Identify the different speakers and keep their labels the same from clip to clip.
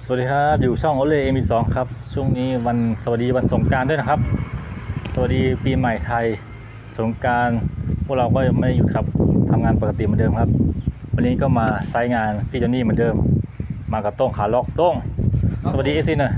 Speaker 1: สวัสดีครับอยู่ช่องโอเล่M2ครับช่วงนี้วันสวัสดีวันสงกรานต์ด้วยนะครับสวัสดีปีใหม่ไทยสงกรานต์พวกเราก็ไม่หยุดครับทำงานปกติเหมือนเดิมครับวันนี้ก็มาไซต์งานพี่จอนนี่เหมือนเดิมมากับโต้งขาล็อกโต้งสวัสดีเอฟซีหน่อย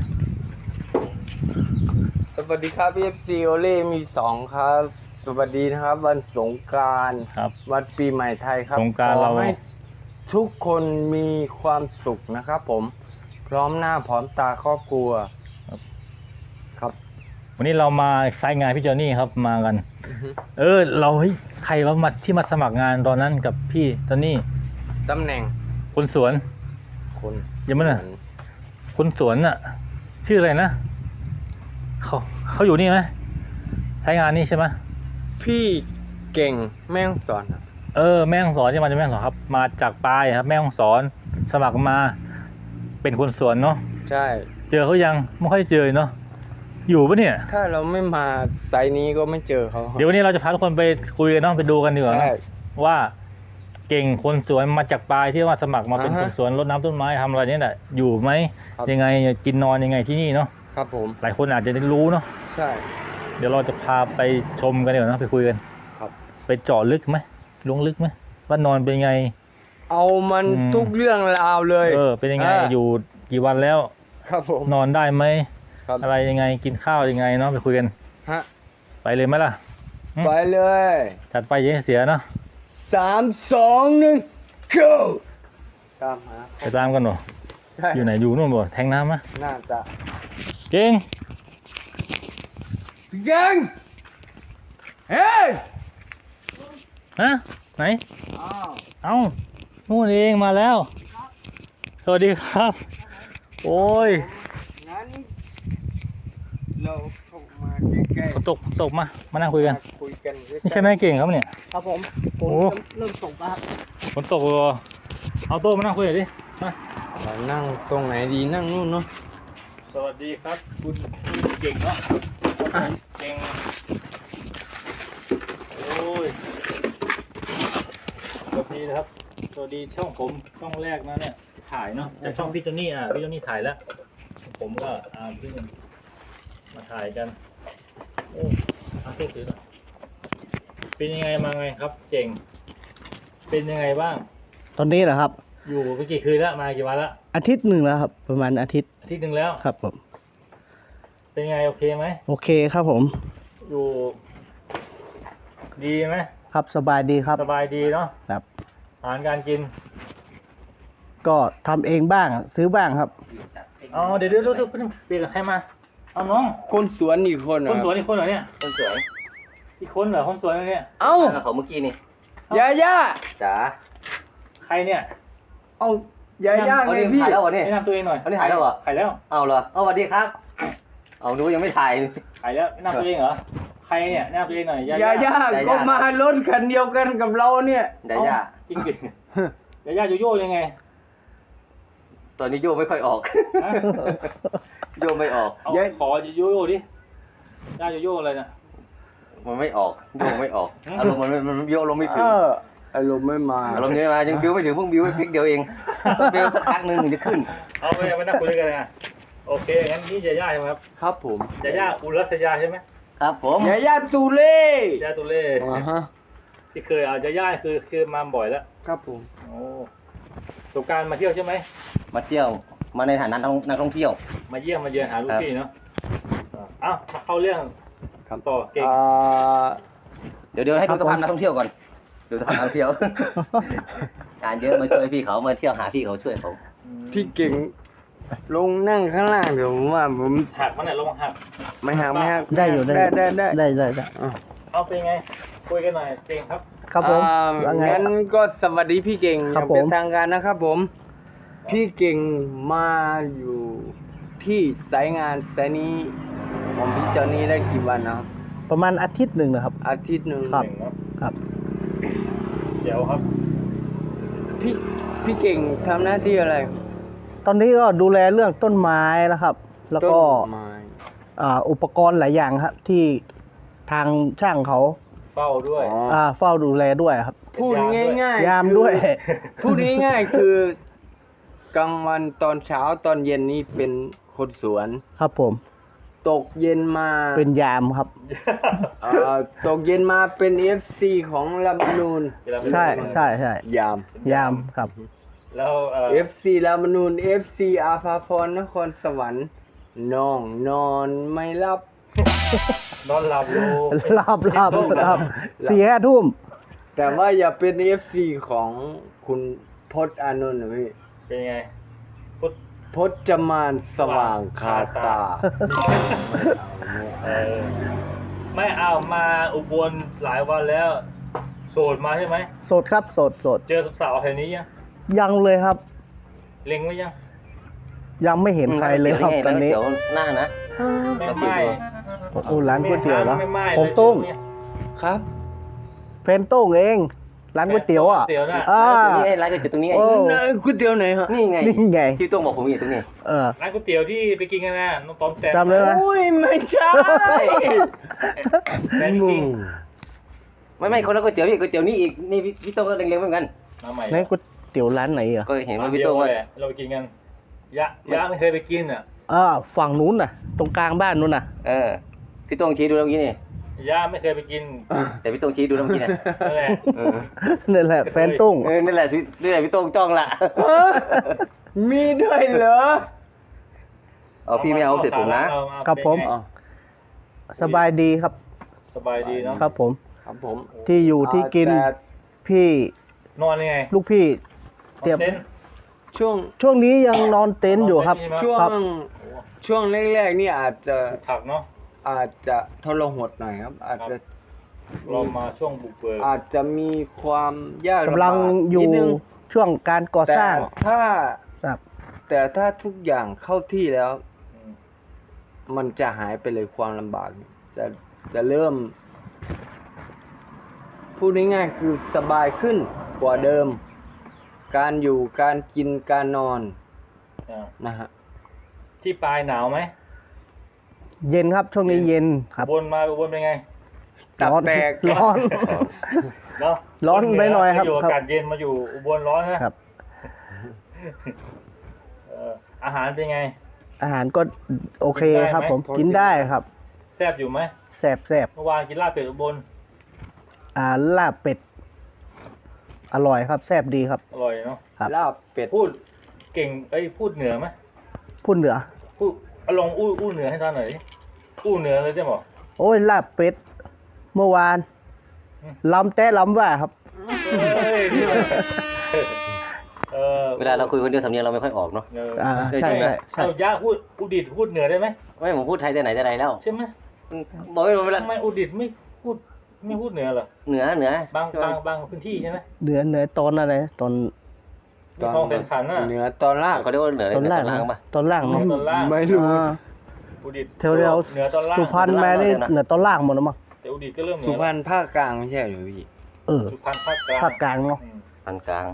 Speaker 2: สวัสดีครับ FC โอเล่มี2ครับสวัสดีนะครับวันสงกรานต์
Speaker 1: ครับ
Speaker 2: วันปีใหม่ไทยครับ
Speaker 1: สงกรานต์เรา
Speaker 2: ขอให้ทุกคนมีความสุขนะครับผมพร้อมหน้าพร้อมตาครอบครัวครับ
Speaker 1: วันนี้เรามาไซต์งานพี่จอนนี่ครับมากันเราเฮ้ยใครว่ามาที่มาสมัครงานตอนนั้นกับพี่จอนนี่
Speaker 2: ตำแหน่ง
Speaker 1: คนสวน
Speaker 2: คน
Speaker 1: ยังไม่น่ะ คนสวนน่ะชื่ออะไรนะเขาอยู่นี่ไหมใช้งานนี่ใช่ไหม
Speaker 2: พี่เก่งแม่ฮ่องสอนครับ
Speaker 1: แม่ฮ่องสอนที่มาจากแม่ฮ่องสอนครับมาจากปลายครับแม่ฮ่องสอนสมัครมาเป็นคนสวนเนาะ
Speaker 2: ใช่
Speaker 1: เจอเขายังไม่ค่อยเจอเนาะอยู่ปะเนี่ย
Speaker 2: ถ้าเราไม่มาไซต์นี้ก็ไม่เจอเขา
Speaker 1: เดี๋ยววันนี้เราจะพาทุกคนไปคุยกันเนาะไปดูกันดีกว่า
Speaker 2: ใช่
Speaker 1: เนาะว่าเก่งคนสวนมาจากปลายที่ว่าสมัครมาเป็นคนสวนรดน้ำต้นไม้ทำอะไรเนี่ยแหละอยู่ไหมยังไงกินนอนยังไงที่นี่เนาะ
Speaker 2: ครับผม
Speaker 1: หลายคนอาจจะได้รู้เนาะ
Speaker 2: ใช่
Speaker 1: เดี๋ยวเราจะพาไปชมกันดีกว่าเนาะไปคุยกัน
Speaker 2: ครับ
Speaker 1: ไปเจาะลึกไหมลงลึกไหมว่านอนเป็นไง
Speaker 2: เอามันทุกเรื่องราวเลย
Speaker 1: เป็นยังไงอยู่กี่วันแล้ว
Speaker 2: ครับผม
Speaker 1: นอนได้ไหม
Speaker 2: ครับ
Speaker 1: อะไรยังไงกินข้าวยังไงเนาะไปคุยกัน
Speaker 2: ฮะ
Speaker 1: ไปเลยไหมล่ะ
Speaker 2: ไปเลย
Speaker 1: จัดไปอยังเสียเนาะ
Speaker 2: 3 2 1 go ตามหา
Speaker 1: ไปตามกันหนู
Speaker 2: ใช่
Speaker 1: อยู่ไหนอยู่นู่นบ่แทงน้ำมะ
Speaker 2: น่าจะ
Speaker 1: เก่ง
Speaker 2: พี่เก่งเฮ้ย
Speaker 1: ฮะไหน
Speaker 2: อ้าว
Speaker 1: เอ้านู่นเองมาแล้วสวัสดีครับ โอ้ย
Speaker 2: งั้นเราเข้ามาใกล้
Speaker 1: ฝนตกมานั่งคุยกัน
Speaker 2: คุยกัน
Speaker 1: นี่ใช่ไหมเก่งครับเนี่ย
Speaker 2: ครับผม
Speaker 1: โอ้
Speaker 2: เริ่มตกแล้วครับ
Speaker 1: ฝนตกเลยเอาโต๊ะมานั่งคุยหน่อยดิมา
Speaker 2: เรานั่งตรงไหนดีนั่งนู่นเนาะ
Speaker 1: สวัสดีครับคุณเก่งเนาะเก่งโอ้ยสวัสดีนะครับสวัสดีช่องผมช่องแรกนะเนี่ยถ่ายเนาะจากช่องพี่จอนนี่พี่จอนนี่ถ่ายแล้วผมก็เพิ่งมาถ่ายกันโอ้โทษทีนะเป็นยังไงมาไงครับเก่งเป็นยังไงบ้าง
Speaker 3: ตอนนี้เหรอครับ
Speaker 1: อยู่ไปกี่คืนแล้วมากี่วันแล้ว
Speaker 3: อาทิตย์หนึ่งแล้วครับ ประมาณอาทิตย์
Speaker 1: อาทิตย์หนึ่งแล้ว
Speaker 3: ครับผม
Speaker 1: เป็นไงโอเคไหม
Speaker 3: โอเคครับผม
Speaker 1: อยู่ดีไหม
Speaker 3: ครับสบายดีครับ
Speaker 1: สบายดีเนาะ
Speaker 3: ครับ
Speaker 1: อาหารการกิน
Speaker 3: ก็ทำเองบ้างซื้อบ้างครับ
Speaker 1: อ๋อเดี๋ยวเปลี่ยนกับใครมาเอาน้อง
Speaker 2: คนสวนอีกคน
Speaker 1: คนสวนอีกคนเหรอเนี่ย
Speaker 4: คนสวย
Speaker 1: อีกคนเหรอคนสวนเนี่ย
Speaker 2: เอ้า
Speaker 4: แล้วเขาเมื่อกี้นี่
Speaker 2: ยาย่า
Speaker 4: จ๋า
Speaker 1: ใครเนี่ย
Speaker 2: เอ้า ยาย่า
Speaker 4: เอา
Speaker 2: ไง
Speaker 4: นี่
Speaker 2: พี่
Speaker 4: ถ่ายแล้วเหรอเนี่ย
Speaker 1: แนะนำตัวเองหน่อย
Speaker 4: เอานี่ถ่ายแล้วเหรอ
Speaker 1: ถ่ายแล้ว
Speaker 4: เอาเหรอเอาสวัสดีครับ เอาดูยังไม่ถ่าย
Speaker 1: ถ่ายแล้วแนะนำตัวเองเหรอใครเนี่ยแนะนำตัวเองหน่อย
Speaker 2: ยาย่า
Speaker 4: ย่า
Speaker 2: ก็มารถคันเดียวกันกับเราเนี่ย
Speaker 4: ยาย่า
Speaker 1: จริงดิยาย่าโยโย่ยังไง
Speaker 4: ตอนนี้โยไม่ค่อยออก
Speaker 1: ฮะ
Speaker 4: โยไม่ออก
Speaker 1: เอาขอโยโย่ดิย่าโยโย่อะไรนะ
Speaker 4: มันไม่ออก โยไม่ออก อารมณ์มันโยอารมณ์ไม่ถึ
Speaker 2: เอง ออารมณ์ไม่มา
Speaker 4: อารมณ์นี้มายังบิวไม่ถึงเพิ่งบิวไปพลิกเดียวเองบิวสักพักหนึ่งถึงจะขึ้น
Speaker 1: เอาไปนั่งคุยกันนะโอเคงั้นนี่ยาย่าใช่ไหมครับ
Speaker 2: ครับผม
Speaker 1: ยาย่าอุรัสยาใช่ไหม
Speaker 4: ครับผม
Speaker 2: ยาย่าตูเล่
Speaker 1: ยาตุเล่
Speaker 2: ฮะ
Speaker 1: ที่เคยยาย่าคือมาบ่อยแล้ว
Speaker 2: ครับผม
Speaker 1: โอ้สงกรารมาเที่ยวใช่ไหม
Speaker 4: มาเที่ยว มาในฐานะนักท่องเที่ยว
Speaker 1: มาเยี่ยมมาเยือนหาลูกพี่เนาะเอ้ามาเข้าเรื่อง
Speaker 2: ครับ
Speaker 1: ต่อเก่ง
Speaker 4: เดี๋ยวให้ดูสภาพนักท่องเที่ยวก่อน ดูสภาพนักท่องเที่ยว งานเยอะมาช่วยพี่เขามาเที่ยวหาพี่เขาช่วยเขา
Speaker 2: พี่เก่งลงนั่งข้างล่างเดี๋ยวผมว่าผม
Speaker 1: หักมันไหนลงหัก
Speaker 2: ไม่หักไม่หัก
Speaker 3: ได้อยู่
Speaker 2: ได้
Speaker 3: ได้
Speaker 1: เอาเป็นไงคุยกันหน่อยเก่งครับ
Speaker 3: ครับผม ว่าไง
Speaker 2: งั้นก็สวัสดีพี่เก่งอ
Speaker 3: ครั
Speaker 2: ย่า
Speaker 3: บ
Speaker 2: งเป็น
Speaker 3: ผม
Speaker 2: ทางการนะครับผม พี่เก่งมาอยู่ที่สายงานสายนี้ของพี่จอนี่ได้กี่วันนะครับ
Speaker 3: ประมาณอาทิตย์หนึ่งนะครับ
Speaker 2: อาทิตย์หนึ่ง
Speaker 3: ครับ
Speaker 1: เก่งครับ
Speaker 3: ครับ
Speaker 1: เดี๋ยวครับ
Speaker 2: พี่เก่งทำหน้าที่อะไร
Speaker 3: ตอนนี้ก็ดูแลเรื่องต้นไม้นะครับ แล้วก็
Speaker 2: ต้นไม้
Speaker 3: อุปกรณ์หลายอย่างครับ ที่ทางช่างเขา
Speaker 1: เฝ้าด้วย
Speaker 2: อ๋อ
Speaker 3: เฝ้าดูแลด้วยครับ
Speaker 2: พูดง่ายๆ
Speaker 3: ยามด้วย
Speaker 2: พูดง่ายๆคือกลางวันตอนเช้าตอนเย็นนี่เป็นคนสวน
Speaker 3: ครับผม
Speaker 2: ตกเย็นมา
Speaker 3: เป็นยามครับ
Speaker 2: ตกเย็นมาเป็น FC ของลำนูน
Speaker 3: ใช่ใช่ใช่
Speaker 2: ยาม
Speaker 3: ยามครับ
Speaker 1: แล้ว
Speaker 2: FC ลำนูน FC อาภาพรนครสวรรค์น้องนอนไม่หลับ
Speaker 1: นอนหลับอยู่
Speaker 3: หลับ4-5 ทุ่ม
Speaker 2: แต่ว่าอย่าเป็น FC ของคุณพจน์อานนท์นะพี่
Speaker 1: เป็นไงพุทธ
Speaker 2: พจมานสว่างคาตา
Speaker 1: เออไม่เอามาอุบลหลายวันแล้ว โสดมาใช่ไหม
Speaker 3: สดครับสด
Speaker 1: เจอสาวๆแถวนี้ยัง
Speaker 3: ยังเลยครับ
Speaker 1: เล็งไว้ยัง
Speaker 3: ยังไม่เห็นใครเลยครับตอนนี้
Speaker 4: เดี๋ยวหน้านะ
Speaker 1: ไม่
Speaker 4: เรา
Speaker 1: ไม่
Speaker 3: โอ้ร้านก๋วยเตี๋ยวเหรอ
Speaker 1: ไม่ไม่
Speaker 3: ผมตุ้ง
Speaker 2: ครับ
Speaker 3: เฟรนโต้งเองร้านก๋วยเตี๋ยวอ่ะ
Speaker 1: ก๋วยเตี๋ยวน่ะ
Speaker 3: อ่า
Speaker 4: ตรงนี้ไงร้านก๋วยเตี๋ยวตรงนี้ไง
Speaker 3: โอ้
Speaker 2: ก๋วยเตี๋ยวไหนฮะ
Speaker 4: นี่ไง
Speaker 3: นี่ไง
Speaker 4: ที่ต้องบอกผมอยู่ตรงนี้
Speaker 1: ร้านก๋วยเตี๋ยวที่ไปกินกันนะน้องต้อมแต้ม
Speaker 3: จำได้ไหม
Speaker 2: โอ้ยไม่ใช่
Speaker 1: แต้มจริง
Speaker 4: ไม่คนละก๋วยเตี๋ยวนี่ก๋วยเตี๋ยวนี่อีกนี่พี่โต้งก็เล็งๆเหมือนกัน
Speaker 1: มาใหม่
Speaker 3: ในก๋วยเตี๋ยวร้านไหนอ่ะ
Speaker 4: ก็เห็นว่า
Speaker 1: ร้าน
Speaker 4: พี่
Speaker 1: เดีย
Speaker 4: โต้
Speaker 1: ว
Speaker 4: งว่า
Speaker 1: แหละเราไปกินกันยะไม่เคยไปกินอ่ะ
Speaker 3: ฝั่งนู้นน่ะ ตรงกลางบ้านนู้นน่ะ
Speaker 4: พี่โต้งชี้ดูแล้วเมื่อกี้นี่
Speaker 1: ยะไม่เคยไปกิน
Speaker 4: แต่พี่โต้งชี้ดูแล้วเมื่อกี้เนี่ย
Speaker 1: นั่นแหละ
Speaker 3: นั่นแหละแฟนตุ้ง
Speaker 4: นั่นแหละพี่โต้งจ้องละ
Speaker 2: มีด้วยเหรอ
Speaker 4: เอาพี่ไม่เอาเสร็จผมนะ
Speaker 3: ครับผม สบายดีครับ
Speaker 1: สบายดีเนาะ
Speaker 3: ครับผม
Speaker 2: ครับผม
Speaker 3: ที่อยู่ที่กิน
Speaker 2: แต่
Speaker 3: พี่
Speaker 1: นอนยังไง
Speaker 3: ลูกพี่เตรียม
Speaker 1: นอนเต็นท์
Speaker 2: ช่วง
Speaker 3: นี้ยังนอนเต็นท์อยู่ครับ
Speaker 2: ช่ว
Speaker 3: ครับ
Speaker 2: งช่วงแรกๆนี่อาจจะ
Speaker 1: ถักเนาะ
Speaker 2: ทรหดหน่อยครับ อาจจะ
Speaker 1: เรามาช่วงบุกเบิก
Speaker 2: อาจจะมีความยาก
Speaker 3: กำลังอยู่
Speaker 2: นิดนึง
Speaker 3: ช่วงการก่อ
Speaker 2: แต่
Speaker 3: สร้าง
Speaker 2: ถ้า
Speaker 3: ครับ
Speaker 2: แต่ถ้าทุกอย่างเข้าที่แล้ว
Speaker 1: อืม
Speaker 2: มันจะหายไปเลยความลำบาก จะเริ่ม พูดง่ายๆคือสบายขึ้นกว่าเดิม การอยู่การกินการนอน
Speaker 1: อ่า
Speaker 2: นะฮะ
Speaker 1: ที่ปลายหนาวไหม
Speaker 3: เย็นครับช่วงนี้เย็นครับ
Speaker 1: อุบลมาอุบลเป็นไง
Speaker 2: ตับ
Speaker 3: ร้อน
Speaker 2: แตก
Speaker 3: ร้อน
Speaker 1: เนาะ
Speaker 3: ร้อนไปหน่อยครับ
Speaker 1: อยู่อากาศเย็นมาอยู่อุบลร้อนนะครับ อาหารเป็นไง
Speaker 3: อาหารก็โอเค
Speaker 1: กินได้ไหม
Speaker 3: ครับ ผมกินได้ครับ
Speaker 1: แซ่บอยู่ไหม
Speaker 3: แซ่บ
Speaker 1: เมื่อวานกินลาบเป็ดอุบล
Speaker 3: ลาบเป็ด อร่อยครับแซ่บดีครับ
Speaker 1: อร่อยเนาะ
Speaker 3: ครับ
Speaker 2: ลาบเป็ด
Speaker 1: พูดเก่งพูดเหนือไหม
Speaker 3: พูดเหนือ
Speaker 1: พูดเอาลองอู้เหนือให้ท่านหน่อยดิอู้เหนือเลยใช่ไหม
Speaker 3: โอ้ยลาบเป็ด เมื่อวาน
Speaker 1: อืม
Speaker 3: ลำแต่ลำว่าครับ
Speaker 1: เฮ้ยนี่มันเออ
Speaker 4: เวลาเราคุยคนเดียวสำเนียงเราไม่ค่อยออกเนาะ
Speaker 3: ใช่ใช่ใช่
Speaker 1: เอาย่าพูดอุดิตพูดเหนือได้ไหม
Speaker 4: ไม่ผมพูดไทยแต่ไหนแต่ไรแล้ว
Speaker 1: ใช่ไหม
Speaker 4: บอกไม่รู้เวลา
Speaker 1: ทำไมอุดิตไม่พูดเหนือเหรอ
Speaker 4: เหนือบ
Speaker 1: างพื้นที่ใช่ไหม
Speaker 3: เหนือตอนอะไรตอน
Speaker 1: มีคลองเส้นขันน่ะ
Speaker 2: เหนือตอนล่าง
Speaker 4: เขาเรียกว่าเหนือ
Speaker 3: ตอนล่าง
Speaker 4: ล่างป่ะ
Speaker 3: ตอนล่างเนาะ
Speaker 1: ตอนล่าง
Speaker 2: ไม่รู้
Speaker 3: อ่า
Speaker 1: อุดิต
Speaker 3: แถวเดียว
Speaker 1: เหนือตอนล่าง
Speaker 3: สุพรรณแม่นี่เหนือตอนล่างหมดแล้วมั้ง
Speaker 1: แต่อุดิตก็เริ่มเหนื
Speaker 2: สุ
Speaker 1: อ
Speaker 2: พรรณภาคกลางไม่ใช่หรือพี่
Speaker 1: สุพรรณภาคกลาง
Speaker 3: ภาคกลางเนาะ
Speaker 1: อืม
Speaker 4: ปานกลาง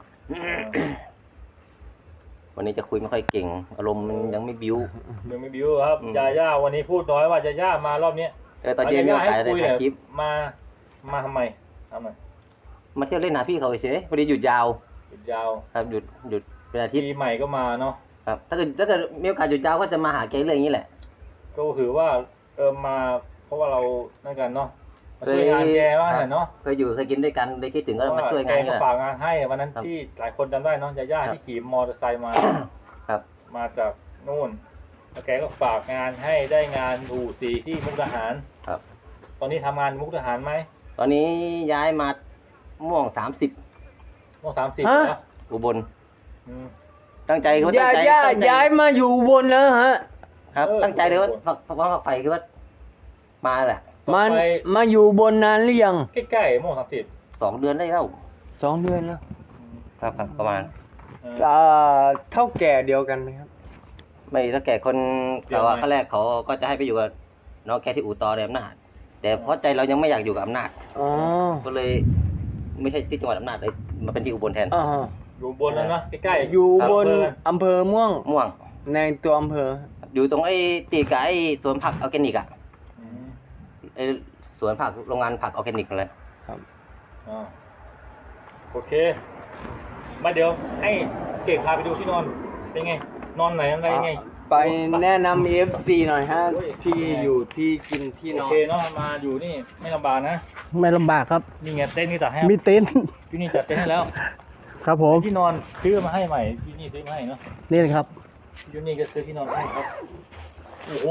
Speaker 4: วันนี้จะคุยไม่ค่อยเก่ง อารมณ์มันยังไม่บิ้ว
Speaker 1: ยังไม่บิวครับ
Speaker 4: อืม
Speaker 1: ยาย่าวันนี้พูดน้อยว่าจะย่ามารอบเนี้ย
Speaker 4: ตอนเย็นมีโอกาส
Speaker 1: ให้
Speaker 4: ได้
Speaker 1: คุย
Speaker 4: ถ่า
Speaker 1: เนี่ย ย
Speaker 4: คลิป
Speaker 1: มาทำไมทำไม
Speaker 4: มาเที่ยวเล่นหาพี่เขาเฉยพอดีหยุดยาว
Speaker 1: หยุดยาว
Speaker 4: ครับหยุดเป็นอาทิตย์
Speaker 1: ปีใหม่ก็มาเนาะ
Speaker 4: ครับถ้าเกิดมีโอกาสหยุดยาวก็จะมาหาแกเรื่องอย่างนี้แหละ
Speaker 1: ก็ถือว่ามาเพราะว่าเรานั่นกันเนาะมาช่วยงานแกว่าหน่อยเนาะ
Speaker 4: เคยกินด้วยกันได้คิดถึงก็มาช่วยงาน
Speaker 1: แก
Speaker 4: นี่
Speaker 1: ก็
Speaker 4: แหละ
Speaker 1: ฝากงานให้วันนั้น
Speaker 4: ครับ
Speaker 1: ที่หลายคนจำได้เนาะยาย่า
Speaker 4: ครับ
Speaker 1: ที่ขี่มอเตอร์ไซค์มา
Speaker 4: ครับ
Speaker 1: มาจากนู่นแล้วแกก็ฝากงานให้ได้งานอู่สีที่มุกดาหาร
Speaker 4: ครับ
Speaker 1: ตอนนี้ทำงานมุกดาหารไหม
Speaker 4: ตอนนี้ย้ายมาม่วง30
Speaker 1: ม่วง30
Speaker 2: ฮะ
Speaker 1: เหรอ
Speaker 4: อุบล
Speaker 1: อืม
Speaker 4: ตั้งใจคือว่าตั้งใจ
Speaker 2: ย้ายมาอยู่บนแล้วฮะ
Speaker 4: ครับ
Speaker 1: เออ
Speaker 4: ตั้งใจเลยว่าฝักไฟคือว่ามาแหละ
Speaker 2: มาอยู่บนนานหรือยัง
Speaker 1: ใกล้ๆม่วง30
Speaker 4: 2 เดือนได้แล้ว
Speaker 2: 2 เดือนแล้ว
Speaker 4: ครับประมาณ
Speaker 2: เท่าแก่เดียวกันไหมครับ
Speaker 4: ไม่ถ้าแก่คน
Speaker 1: เดี๋ยว
Speaker 4: แต่ว่า
Speaker 1: ไหม
Speaker 4: ขั้นแรกเขาก็จะให้ไปอยู่กับน้องแกที่อู่ต่อในอำนาจแต่เพราะใจเรายังไม่อยากอยู่กับอำนาจ
Speaker 2: อ๋อ
Speaker 4: ก็เลยไม่ใช่ที่จังหวัดอำนาจเลยมาเป็นที่อุบลแทน
Speaker 2: อ่า
Speaker 1: อยู่บนแล้วเนาะใกล้ๆ
Speaker 2: อยู่บน
Speaker 1: ครับ
Speaker 2: อำเภอม่วง
Speaker 4: ม่วง
Speaker 2: ในตัวอำเภอ
Speaker 4: อยู่ตรงไอ้ตีกับไอ้สวนผักออร์แกนิกอะ
Speaker 1: อืม
Speaker 4: ไอ้สวนผักโรงงานผักออร์แกนิกอะไร
Speaker 2: ครับ
Speaker 1: อ่าโอเค มาเดี๋ยวให้เก่งพาไปดูที่นอนเป็นไงนอนไหนอะไรไง
Speaker 2: ไปแนะนำ FC หน่อยฮะ ที่อยู่ที่กินที่น
Speaker 1: โอ
Speaker 2: อน
Speaker 1: เคเนาะมาอยู่นี่ไม่ลำบากนะ
Speaker 3: ไม่ลำบากครับ
Speaker 1: นี่ไงเต้นท์นี่จัดให้
Speaker 3: มีเต็นท์
Speaker 1: ที่นี่จัดเต้นท์ให้แล้ว
Speaker 3: ครับผม
Speaker 1: ที่นอนซื้อมาให้ใหม่ที่นี่ซื้อมาให้เนาะ
Speaker 3: นี่เลยครับ
Speaker 1: ที่นี่ก็ซื้อที่นอนให้ครับโอ้โห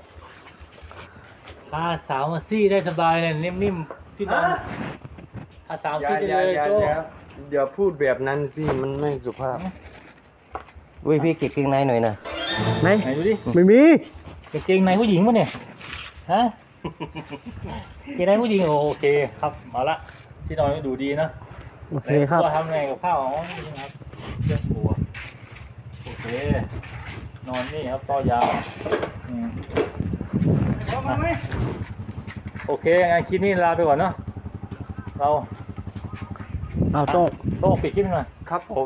Speaker 1: พาสาวมาซี่ได้สบายเลยนิ่มๆที่นอนพาสาวซี่ได้เลยโจ้
Speaker 2: อย่าพูดแบบนั้นพี่มันไม่สุภาพ
Speaker 4: อุ้ยพี่เก็บเกงในหน่อยนะ
Speaker 3: ไหน
Speaker 1: ไหนดูดิ
Speaker 3: ไม่มี
Speaker 1: กางเกงในผู้หญิงปะเนี่ยฮะกางเกงในผู้หญิงโอเคครับเอาละที่นอนก็ดูดีนะ
Speaker 3: โอเคครับ
Speaker 1: ตัวทำไงกับข้าวอ๋อนี่ครับเครื่องครัวโอเคนอนนี่ครับต่อยาวอืมโอเคงั้นคลิปนี้ลาไปก่อนเนาะเรา
Speaker 3: เอาโต้ง
Speaker 1: โต้องปิดคลิปหน่อย
Speaker 2: ครับผม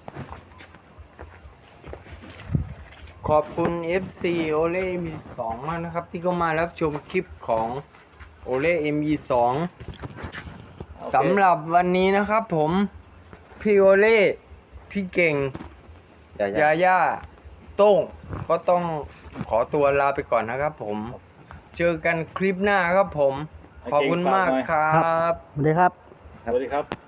Speaker 2: ขอบคุณ FC โอเล่มี2มากนะครับ ที่เข้ามารับชมคลิปของโอเล่ ME2 สำหรับวันนี้นะครับผม พี่โอเล่ พี่เก่ง ยาย่า โต้ง ก็ต้องขอตัวลาไปก่อนนะครับผม เจอกันคลิปหน้าครับผม ขอบคุณมากครับ
Speaker 3: สวัสดีครับ
Speaker 1: สวัสดีครับ